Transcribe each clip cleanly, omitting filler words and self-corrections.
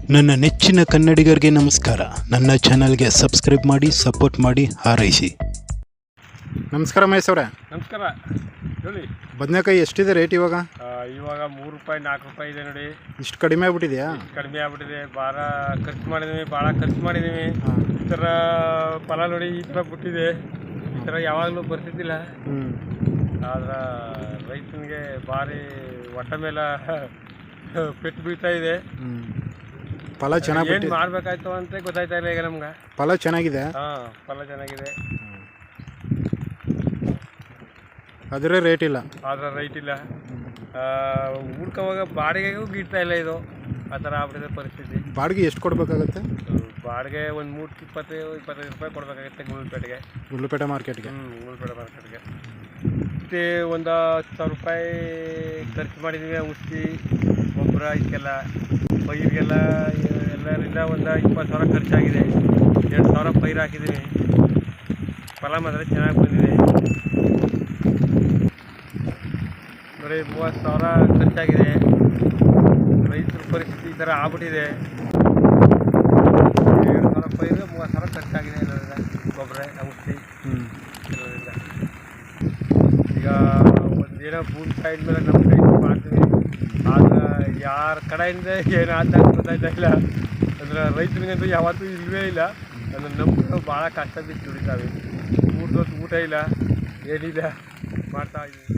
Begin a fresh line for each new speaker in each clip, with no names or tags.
ನನ್ನ ನೆಚ್ಚಿನ ಕನ್ನಡಿಗರಿಗೆ ನಮಸ್ಕಾರ. ನನ್ನ ಚಾನಲ್ಗೆ ಸಬ್ಸ್ಕ್ರೈಬ್ ಮಾಡಿ, ಸಪೋರ್ಟ್ ಮಾಡಿ, ಹಾರೈಸಿ. ನಮಸ್ಕಾರ ಮಹೇಶ್ ಅವರೇ.
ನಮಸ್ಕಾರ. ಹೇಳಿ.
ಬದನೆಕಾಯಿ ಎಷ್ಟಿದೆ ರೇಟ್ ಇವಾಗ?
ಇವಾಗ 3 ರೂಪಾಯಿ 4 ರೂಪಾಯಿ ಇದೆ ನೋಡಿ.
ಇಷ್ಟು ಕಡಿಮೆ ಆಗ್ಬಿಟ್ಟಿದೆಯಾ?
ಕಡಿಮೆ ಆಗ್ಬಿಟ್ಟಿದೆ. ಖರ್ಚು ಮಾಡಿದ್ದೀವಿ, ಭಾಳ ಖರ್ಚು ಮಾಡಿದ್ದೀವಿ. ಈ ಥರ ಫಲ ನೋಡಿ ಈ ಥರ ಬಿಟ್ಟಿದೆ. ಈ ಥರ ಯಾವಾಗಲೂ ಬರ್ತಿದ್ದಿಲ್ಲ. ಆದ್ರೆ ರೈತನಿಗೆ ಭಾರಿ ಹೊಟ್ಟೆ ಮೇಲೆ ಪೆಟ್ಟು ಬೀಳ್ತಾ ಇದೆ.
ಫಲ ಚೆನ್ನಾಗಿ
ಏನು ಮಾಡಬೇಕಾಯ್ತು ಅಂತ ಗೊತ್ತಾಯ್ತಾ ಇಲ್ಲ ಈಗ ನಮ್ಗೆ.
ಫಲ ಚೆನ್ನಾಗಿದೆ.
ಫಲ ಚೆನ್ನಾಗಿದೆ,
ಆದರೆ ರೇಟ್ ಇಲ್ಲ.
ಊರ್ಕೋವಾಗ ಬಾಡಿಗೆಗೂ ಗಿಡ್ತಾ ಇಲ್ಲ. ಇದು ಆ ಥರ ಆಗ್ಬಿಟ್ಟಿದೆ ಪರಿಸ್ಥಿತಿ.
ಬಾಡಿಗೆ ಎಷ್ಟು ಕೊಡಬೇಕಾಗುತ್ತೆ?
ಬಾಡಿಗೆ ಒಂದು ಮೂಟಕ್ಕೆ 20-25 ರೂಪಾಯಿ ಕೊಡಬೇಕಾಗುತ್ತೆ
ಗುಂಡ್ಲುಪೇಟೆ ಮಾರ್ಕೆಟ್ಗೆ.
ಗುಂಡ್ಲುಪೇಟೆ ಮಾರ್ಕೆಟ್ಗೆ. ಮತ್ತು ಒಂದು 10,000 ರೂಪಾಯಿ ಖರ್ಚು ಮಾಡಿದ್ದೀವಿ. ಔಷಧಿ, ಗೊಬ್ಬರ, ಇದಕ್ಕೆಲ್ಲ ಪೈರಿಗೆಲ್ಲ ಎಲ್ಲರಿಂದ ಒಂದು 20,000 ಖರ್ಚಾಗಿದೆ. 2,000 ಪೈರು ಹಾಕಿದ್ದೀವಿ. ಫಲ ಮಾತ್ರ ಚೆನ್ನಾಗಿ ಬಂದಿದೆ. ಬರೀ 30,000 ಖರ್ಚಾಗಿದೆ. ರೈತರ ಪರಿಸ್ಥಿತಿ ಈ ಥರ ಆಗ್ಬಿಟ್ಟಿದೆ. 2,000 ಪೈರು 30,000 ಖರ್ಚಾಗಿದೆ ಎಲ್ಲರಿಂದ, ಗೊಬ್ಬರ, ಔಷಧಿ ಎಲ್ಲರಿಂದ. ಈಗ ಒಂದೇನೋ ಭೂಮಿ ಸೈಡ್ ಮೇಲೆ ನಮ್ಮ ಸೈಡ್ ಮಾಡ್ತೀವಿ. ಆದ್ರೆ ಯಾರ ಕಡೆಯಿಂದ ಏನಾದ ಗೊತ್ತಾಯ್ತಾ ಇಲ್ಲ. ಅಂದ್ರೆ ರೈತನಿಗಂತೂ ಯಾವತ್ತೂ ಇಲ್ಲವೇ ಇಲ್ಲ. ಅಂದ್ರೆ ನಮ್ಗೆ ಭಾಳ ಕಷ್ಟ ಬಿದ್ದು ದುಡಿತಾವೆ. ಊಟ ಇಲ್ಲ, ಏನಿಲ್ಲ, ಮಾಡ್ತಾ ಇದ್ದೀವಿ.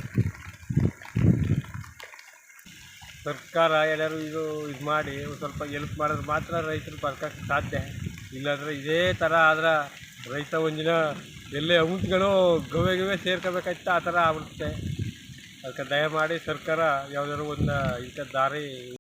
ಸರ್ಕಾರ ಎಲ್ಲರೂ ಇದು ಮಾಡಿ ಒಂದು ಸ್ವಲ್ಪ ಎಲ್ಪ್ ಮಾಡಿದ್ರೆ ಮಾತ್ರ ರೈತರು ಬದುಕೋಕ್ಕೆ ಸಾಧ್ಯ. ಇಲ್ಲಾಂದರೆ ಇದೇ ಥರ ಆದ್ರೆ ರೈತ ಒಂದಿನ ಎಲ್ಲೇ ಅಂಶಗಳು ಗವೆ ಸೇರ್ಕೋಬೇಕಾಯ್ತು ಆ ಥರ ಆಗ್ಬಿಡುತ್ತೆ. ಅದಕ್ಕೆ ದಯಮಾಡಿ ಸರ್ಕಾರ ಯಾವುದಾದ್ರು ಒಂದು ಇಂಥ ದಾರಿ